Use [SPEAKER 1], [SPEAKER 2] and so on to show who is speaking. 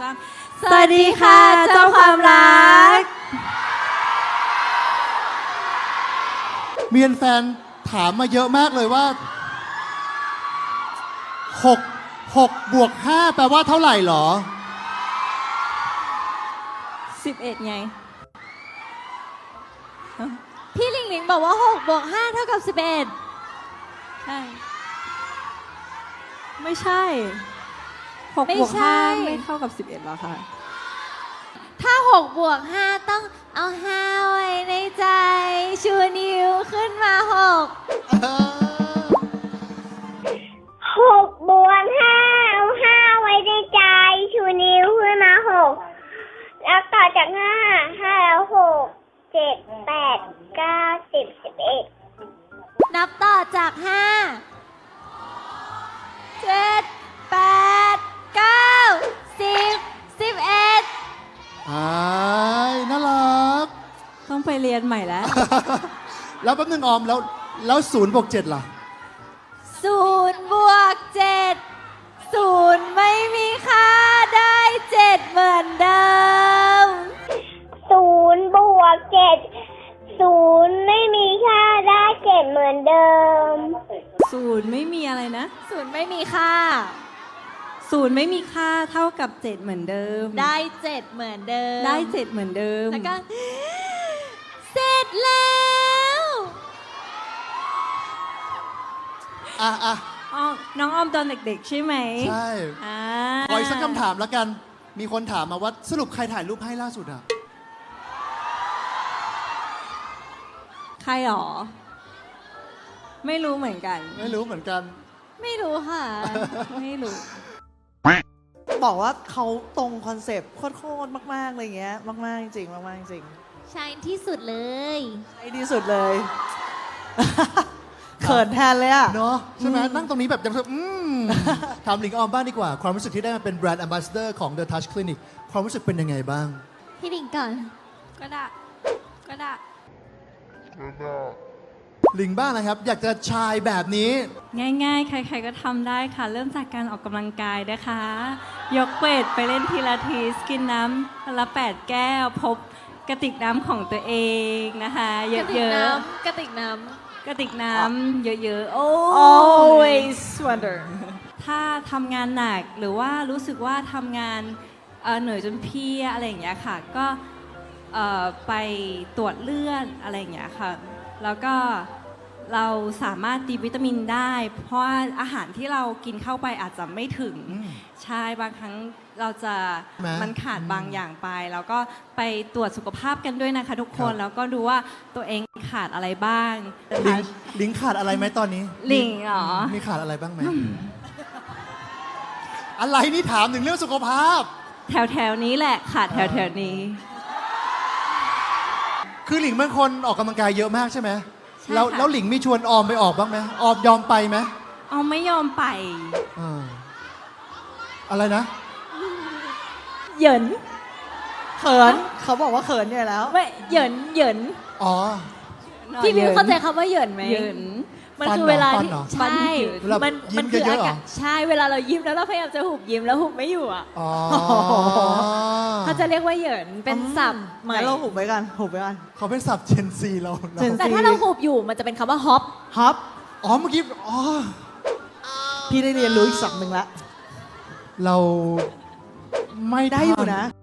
[SPEAKER 1] 3สวัสดีค่ะเจ้าความรัก
[SPEAKER 2] มีแฟนถามมาเยอะมากเลยว่า6 บวก 5 แปลว่าเท่าไหร่หรอ
[SPEAKER 1] 11ไง
[SPEAKER 3] พี่หลิงหลิงบอกว่า6 บวก 5 เท่ากับ 11
[SPEAKER 1] ใช่ไม่ใช่6
[SPEAKER 3] ไม่
[SPEAKER 1] บวก
[SPEAKER 3] ใช่
[SPEAKER 1] 5ไม่เท่ากับ11หรอคะ
[SPEAKER 3] ถ้า6 บวก 5 ต้องเอา 5 ไว้ในใจชูนิ้วขึ้นมา6
[SPEAKER 4] 6 บวก 5 เอา 5 ไว้ในใจชูนิ้วขึ้นมา6แล้วต่อจาก5แล้ว6 7 8 9 10 11
[SPEAKER 3] นับต่อจาก5 7 8 9 10 11
[SPEAKER 2] น่ารัก
[SPEAKER 1] ต้องไปเรียนใหม่แล้ว
[SPEAKER 2] แล้วแป๊บนึงออมแล้ว0 บวก 7ล่ะ
[SPEAKER 3] 0 บวก 7 0 ไม่มีค่าได้ 7 เหมือนเดิม
[SPEAKER 4] 0 บวก 7 0 ไม่มีค่าได้ 7 เหมือนเดิม
[SPEAKER 1] 0ไม่มีอะไรนะ
[SPEAKER 3] 0ไม่มีค่า
[SPEAKER 1] 0ไม่มีค่าเท่ากับ7เหมือนเดิม
[SPEAKER 3] ได้ 7 เหมือนเดิม
[SPEAKER 1] ได้7เหมือนเดิม
[SPEAKER 3] แล้วก็เสร็จแล้ว
[SPEAKER 1] น้องออมตอนเด็กๆใช่ไหม
[SPEAKER 2] ใช่ขออีกสักคำถามแล้วกันมีคนถามมาว่าสรุปใครถ่ายรูปให้ล่าสุดอะ
[SPEAKER 1] ใครหรอไม่รู้เหมือนกัน
[SPEAKER 2] ไม่รู้เหมือนกัน
[SPEAKER 3] ไม่รู้ค่ะ
[SPEAKER 1] ไม่รู้
[SPEAKER 5] บอกว่าเขาตรงคอนเซปต์โคตรมากๆอะไรเงี้ยมากๆจริงมากๆจริง
[SPEAKER 3] ใช่ที่สุดเลย
[SPEAKER 5] ใช่ที่สุดเลยเขินแทนเลยอะ
[SPEAKER 2] เนาะใช่ไหมนั่งตรงนี้แบบยังถามหลิงออมบ้างดีกว่าความรู้สึกที่ได้มาเป็นแบรนด์แอมบาสเดอร์ของ The Touch Clinic ความรู้สึกเป็นยังไงบ้าง
[SPEAKER 3] พี่หลิงก่อน
[SPEAKER 1] ก็ได้
[SPEAKER 2] หลิงบ้างนะครับอยากจะชายแบบนี้
[SPEAKER 1] ง่ายๆใครๆก็ทำได้ค่ะเริ่มจากการออกกำลังกายนะคะยกเวทไปเล่นพิลาทิสกินน้ำละ8 แก้วพบกระติกน้ำของตัวเองนะคะเยอะ
[SPEAKER 3] ๆกระติกน้
[SPEAKER 1] ำเยอะๆ
[SPEAKER 5] always wonder
[SPEAKER 1] ถ้าทำงานหนักหรือว่ารู้สึกว่าทำงานเหนื่อยจนเพลียอะไรอย่างเงี้ยค่ะก็ไปตรวจเลือดอะไรอย่างเงี้ยค่ะแล้วก็เราสามารถดีวิตามินได้เพราะว่าอาหารที่เรากินเข้าไปอาจจะไม่ถึงใช่บางครั้งเราจะมันขาดบางอย่างไปแล้วก็ไปตรวจสุขภาพกันด้วยนะคะทุกคนแล้วก็ดูว่าตัวเองขาดอะไรบ้าง
[SPEAKER 2] หลิงขาดอะไรไหมตอนนี้
[SPEAKER 1] หลิงเหรอ
[SPEAKER 2] มีขาดอะไรบ้างไหมอะไรนี่ถามถึงเรื่องสุขภาพ
[SPEAKER 1] แถวนี้แหละขาดแถวนี้
[SPEAKER 2] คือหลิงเป็นคนออกกำลังกายเยอะมากใช่ไหมแล้วหลิงมีชวนออมไปออกบ้างไหมออมยอมไปไหม
[SPEAKER 1] ออมไม่ยอมไป
[SPEAKER 2] อะไรนะ
[SPEAKER 3] เหยิน
[SPEAKER 5] เขินเขาบอกว่าเขินเนี่ยแล้ว
[SPEAKER 3] ไม่เหยิน
[SPEAKER 2] อ๋อ
[SPEAKER 3] พี่มิวเข้าใจคำว่าเหยินไหม
[SPEAKER 1] เหยิน
[SPEAKER 3] มันคือเวลาที่ใช่
[SPEAKER 2] มันคืออากาศ
[SPEAKER 3] ใช่เวลาเรายิ้มแล้วเราพยายามจะหุบยิ้มแล้วหุบไม่อยู่อ่ะเขาจะเรียกว่าเหยินเป็นศัพท์ใหม่
[SPEAKER 5] เราหุบไว้กัน
[SPEAKER 2] เขาเป็นศัพท์เจนซีเรา
[SPEAKER 3] แต่ถ้าเราหุบอยู่มันจะเป็นคำว่าฮอป
[SPEAKER 2] อ๋อเมื่อกี้
[SPEAKER 5] พี่ได้เรียนรู้อีกศัพท์หนึ่งละ
[SPEAKER 2] เราไม่
[SPEAKER 5] ได้อยู่นะ